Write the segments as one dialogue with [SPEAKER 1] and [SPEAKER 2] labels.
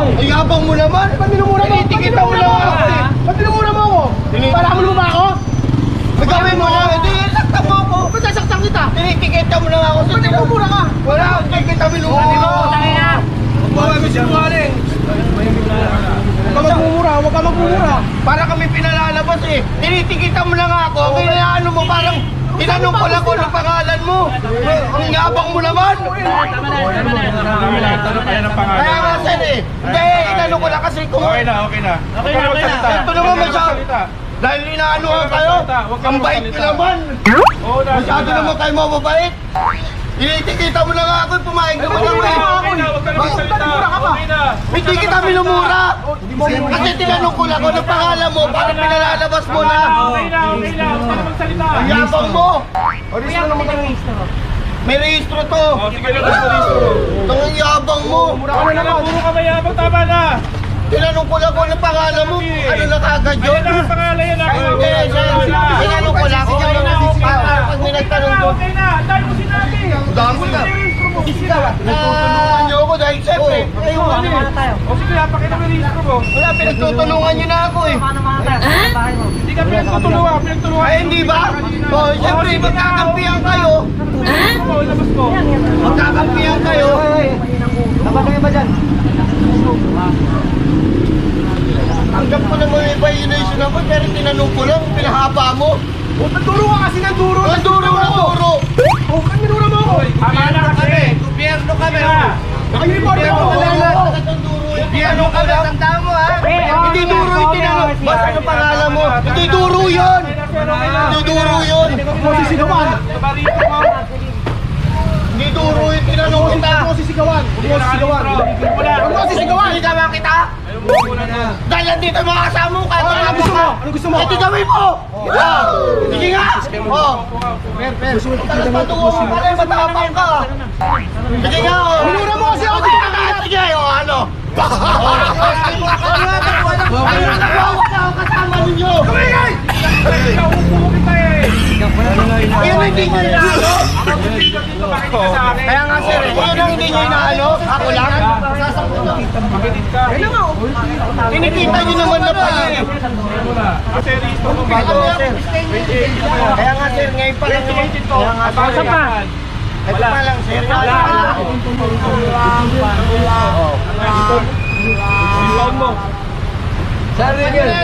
[SPEAKER 1] Ay, yabang mo naman. Ba't minumura mo? Tinitikita mo lang ako eh. Ba't minumura mo ako? Palamon mo ba ako? Magawin mo lang. Hindi, sakta mo ako. Ba't sasaktan kita? Tinitikita mo lang ako. Ba't minumura ka? Wala, hindi kita minumura. Huwag ka sinungaling. Huwag ka magmumura, huwag ka magmumura. Para kami pinalalabas eh. Tinitikita mo lang ako. Kaya ano mo parang tinanong ko lang kung ano pangalan mo. Ang yabang mo naman. Kaya nga sir eh. Hindi, inano ko lang kasi kung...
[SPEAKER 2] Okay na.
[SPEAKER 1] Ito naman masyado. Dahil inaano ka kayo. Ang bait ko naman. Masyado naman kayo mababait. Tinitikita mo lang ako, pumayag naman ako eh. Hindi kita minumura. Kasi tinanong ko lang kung ano pangalan mo para pinalalabas mo na.
[SPEAKER 2] Okay na. Huwag ka na magsalita.
[SPEAKER 1] Ang yabang mo. May rehistro to.
[SPEAKER 2] Sige na, rehistro.
[SPEAKER 1] Ang yabang mo.
[SPEAKER 2] Puro ka mayabang, tama na.
[SPEAKER 1] Tinanong ko lang kung ano pangalan mo. Ano na kagad yun?
[SPEAKER 2] Ayun ang pangalan yan.
[SPEAKER 1] Hindi, tinanong ko lang kung pag may nagtanong ko.
[SPEAKER 2] Okay na, dahil mo sinabi.
[SPEAKER 1] Dami na. Nagtutulungan niyo ako dahil siyempre.
[SPEAKER 2] O sige, napakita mo yung rehistro mo.
[SPEAKER 1] Wala, pinagtutulungan niyo na ako eh.
[SPEAKER 2] Hindi ka pinagtutulungan.
[SPEAKER 1] Ay, hindi ba? O, siyempre, magkakampihan kayo.
[SPEAKER 2] Labas mo.
[SPEAKER 1] Magkakampihan kayo.
[SPEAKER 3] Dapat kayo ba dyan?
[SPEAKER 1] Hanggang ko naman may violation ako, pero tinanong ko lang, pinahaba mo.
[SPEAKER 3] O, nagduro ka kasi ng duro.
[SPEAKER 1] Ang duro na duro.
[SPEAKER 3] O, kan minura mo ako.
[SPEAKER 2] Tama na kasi.
[SPEAKER 1] Gobyerno kami.
[SPEAKER 3] Naka-uniform ako.
[SPEAKER 1] Gobyerno ka lang. Tandaan mo ha. Hindi duro yung tinanong. Basta ang pangalan mo. Hindi duro yun. Hindi duro yun.
[SPEAKER 3] Huwag mo sisigawan.
[SPEAKER 1] Hindi duro yung tinanong kita.
[SPEAKER 3] Huwag mo sisigawan. Huwag mo sisigawan. Huwag mo sisigawan.
[SPEAKER 1] Hindi ka kita. Dahil nandito yung mga kasama mo.
[SPEAKER 3] Ano gusto mo? Ano gusto mo?
[SPEAKER 1] Eh, di gawin mo. Sige nga. Talas patungo ka pala. Matapang ka. Sige nga.
[SPEAKER 3] Minura mo kasi ako.
[SPEAKER 1] Sige, ano? Ano nagwawak na ako kasama ninyo? Ayun ang hindi nyo inaano. Kaya nga sir, ayun ang hindi nyo inaano. Ako lang. Tinikita nyo naman na pala eh. Kaya nga sir, ngayon pa lang naman. Kaya nga sir. Ito pa lang sir.
[SPEAKER 3] Saan rin yun?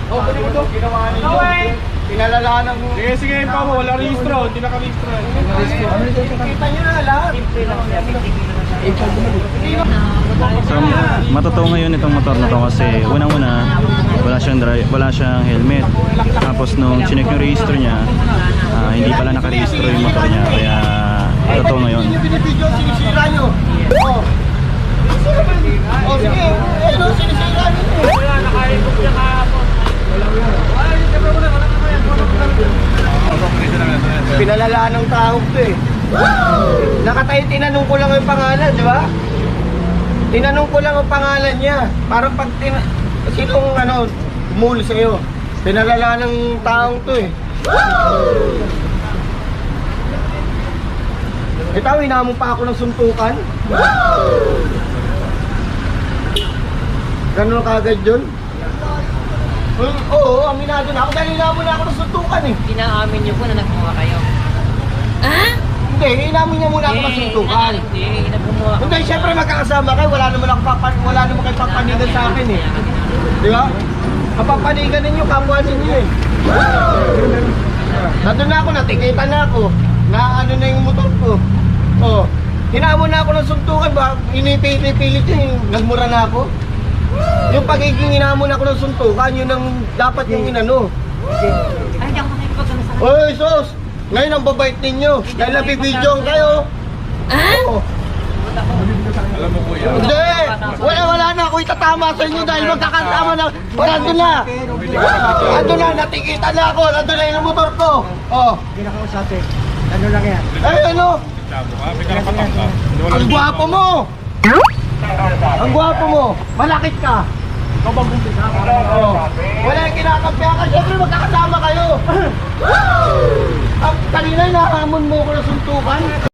[SPEAKER 1] Pinalalanan mo.
[SPEAKER 2] Sige, pa mo. Wala rehistro. Hindi nakarehistro.
[SPEAKER 1] Kita nyo na lahat.
[SPEAKER 4] So, matotoo ngayon itong motor na to kasi unang-una wala siyang helmet. Tapos nung chinek yung register niya, hindi pala nakarehistro yung motor niya. Kaya totoo ngayon.
[SPEAKER 1] Yung binibidyo, sinisira nyo. Oh, sige. Ayun o, sinisira nyo.
[SPEAKER 2] Wala, nakaikot niya kahapon.
[SPEAKER 1] Pinalalaan ng tao to eh. Nakatayo, tinanong ko lang yung pangalan, di ba? Tinanong ko lang ang pangalan niya. Para pag sinong mul sa'yo. Pinalalaan ng taong to eh. Ito, hinamon pa ako ng suntukan. Ganun kagad yun? Oo, aminado na ako dahil hinamon na ako ng suntukan eh.
[SPEAKER 5] Inaamin niyo po na nagmukha kayo.
[SPEAKER 1] Hindi, hinamon niya muna ako ng suntukan.
[SPEAKER 5] Hindi, nagmumukha.
[SPEAKER 1] Hindi, syempre magkakasama kayo, wala naman kayo papanigan sa akin eh. Di ba? Kapapanigan ninyo, kapwa ninyo eh. Nandun na ako, natikita na ako. Na ano na yung motor ko. Oh, hinamon na ako ng suntukan ba? Inipilit yun, nagmura na ako. Yung pagiging hinamon ako ng suntukan, yun ang dapat yung inano.
[SPEAKER 5] Ay, hindi ako makikipagano sa
[SPEAKER 1] Oy, sos! Ngayon ang babait ninyo. Dahil nabibidyoan kayo. Oo.
[SPEAKER 2] Alam mo kuya.
[SPEAKER 1] Hindi! Wala na ako itatama sa inyo dahil magkakasama na. Nandun na! Nandun na, natikita na ako. Nandun na yung motor ko. Oh.
[SPEAKER 3] Hindi na kausapin. Ano lang yan?
[SPEAKER 1] Eh, ano?
[SPEAKER 2] Labo ka, may karapatan ka.
[SPEAKER 1] Ang gwapo mo! Ang gwapo mo! Malakit ka!
[SPEAKER 3] Ikaw bang bumpisa?
[SPEAKER 1] Oh. Wala yung kinakampihan ka. Siyempre magkakasama kayo. Kanina nahamon mo ko na suntukan.